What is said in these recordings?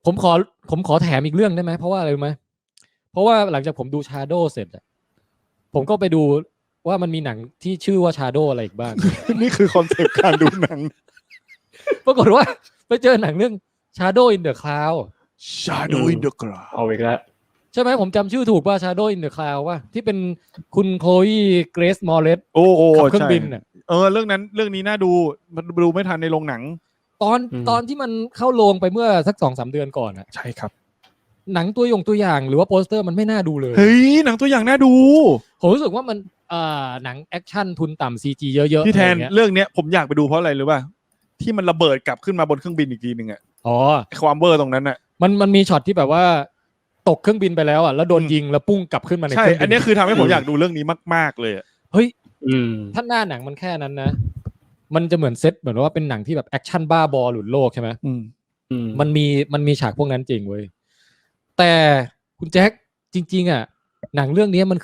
ผมขอแถมอีกเรื่องได้ไหมเพราะว่าอะไรรู้ไหมเพราะว่าหลังจากผมดู Shadow เสร็จผมก็ไปดูว่ามันมีหนังที่ชื่อว่า Shadow อะไรอีกบ้างนี่คือคอนเซปต์การดูหนังปรากฏว่าไปเจอหนังเรื่อง Shadow in the Cloud Shadow in the Cloud เอาอีกแล้วใช่ไหมผมจำชื่อถูกป่ะ Shadow in the Cloud ว่าที่เป็นคุณโคลีเกรซมอร์เรสโอ้ขับเครื่องบินน่ะเรื่องนี้น่าดูมันดูไม่ทันในโรงหนังตอนที่มันเข้าโรงไปเมื่อสัก 2-3 เดือนก่อนอ่ะใช่ครับหนังตัวอย่างหรือว่าโปสเตอร์มันไม่น่าดูเลยเฮ้ยหนังตัวอย่างน่าดูผมรู้สึกว่ามันหนังแอคชั่นทุนต่ำ CG เยอะๆที่แทนเรื่องเนี้ยผมอยากไปดูเพราะอะไรรู้ป่ะที่มันระเบิดกลับขึ้นมาบนเครื่องบินอีกทีนึงอ่ะความเวอร์ตรงนั้นอ่ะมันมีช็อตที่แบบว่าตกเครื่องบินไปแล้วอ่ะแล้วโดนยิงแล้วปุ้งกลับขึ้นมาในเครื่องบินใช่อันนี้คือทำให้ผมอยากดูเรื่องนี้มากๆเลยเฮ้ยถ้าหน้าหนังมันแค่นั้นนะมันจะเหมือนเซตเหมือนว่าเป็นหนังที่แบบแอคชั่นบ้าบอหลุดโลกใช่ไหมมันมีฉากพวกนั้นจริงเว้ยแต่คุณแจ็คจริงๆอ่ะหนังเรื่องนี้มัน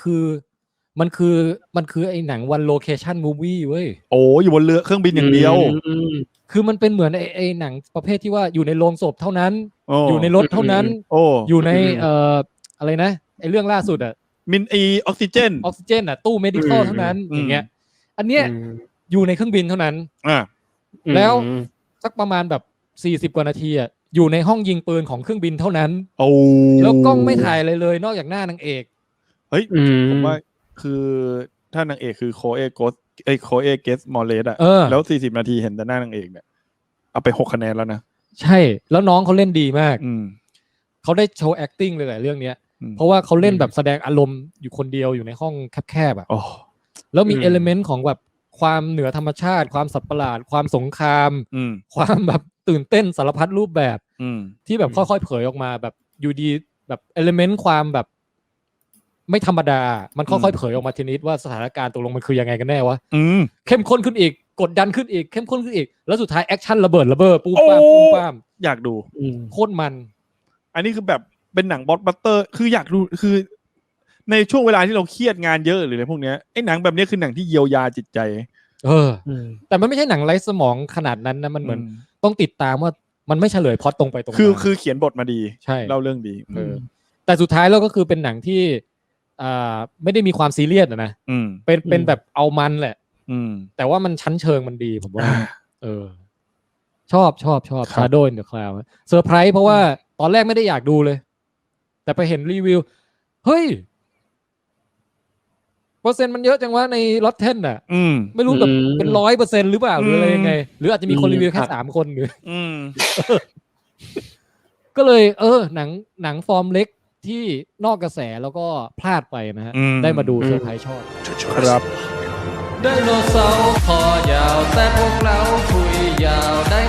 คือไอ้หนังวันโลเคชั่นมูฟวี่เว้ยโอ้อยู่บนเรือเครื่องบินอย่างเดียวคือมันเป็นเหมือนไอ้หนังประเภทที่ว่าอยู่ในโรงศพเท่านั้นอยู่ในรถเท่านั้นอยู่ในอะไรนะไอ้เรื่องล่าสุดอ่ะมินออกซิเจนอ่ะตู้ medical เท่านั้นอย่างเงี้ยอันเนี้ยอยู่ในเครื่องบินเท่านั้นแล้วสักประมาณแบบ40 กว่านาทีอ่ะอยู่ในห้องยิงปืนของเครื่องบินเท่านั้นแล้วกล้องไม่ถ่ายอะไรเลยนอกจากหน้านางเอกเฮ้ยผมว่าคือถ้านางเอกคือโคเอเกสมอร์เลสอ่ะแล้ว40 นาทีเห็นแต่หน้านางเอกเนี่ยเอาไป6 คะแนนแล้วนะใช่แล้วน้องเขาเล่นดีมากเขาได้โชว์ acting เลยแหละเรื่องเนี้ยเพราะว่าเขาเล่นแบบแสดงอารมณ์อยู่คนเดียวอยู่ในห้องแคบๆอ่ะแล้วมีเอลิเมนต์ของแบบความเหนือธรรมชาติความสัตว์ประหลาดความสงครามความแบบตื่นเต้นสารพัดรูปแบบที่แบบค่อยๆเผยออกมาแบบอยู่ดีแบบเอลิเมนต์ความแบบไม่ธรรมดามันค่อยๆเผยออกมาทีนิดว่าสถานการณ์ตกลงมันคือยังไงกันแน่วะเข้มข้นขึ้นอีกกดดันขึ้นอีกเข้มข้นขึ้นอีกแล้วสุดท้ายแอคชั่นระเบิดปูป้ามอยากดูโคตรมันอันนี้คือแบบเป็นหนังบล็อคบัสเตอร์คืออยากดูคือในช่วงเวลาที่เราเครียดงานเยอะหรืออะไรพวกเนี้ยไอ้หนังแบบนี้คือหนังที่เยียวยาจิตใจแต่มันไม่ใช่หนังไร้สมองขนาดนั้นนะมันเหมือนต้องติดตามว่ามันไม่เฉลยพล็อตตรงไปตรงมาคือเขียนบทมาดีใช่เล่าเรื่องดีแต่สุดท้ายแล้วก็คือเป็นหนังที่ไม่ได้มีความซีเรียสนะเป็นแบบเอามันแหละแต่ว่ามันชั้นเชิงมันดีผมว่าชอบ Shadow in the Cloud เซอร์ไพรส์เพราะว่าตอนแรกไม่ได้อยากดูเลยแต่ไปเห็นรีวิวเฮ้ยเปอร์เซ็นต์มันเยอะจังวะใน Rotten อ่ะไม่รู้แบบเป็น 100% หรือเปล่าหรืออะไรยังไงหรืออาจจะมีคนรีวิวแค่3 คนหรือก็เลยหนังฟอร์มเล็กที่นอกกระแสแล้วก็พลาดไปนะฮะได้มาดูเซอร์ไพรส์ชอบครับไดโนเสาร์คอยาวแต่พวกเราคุยยาวได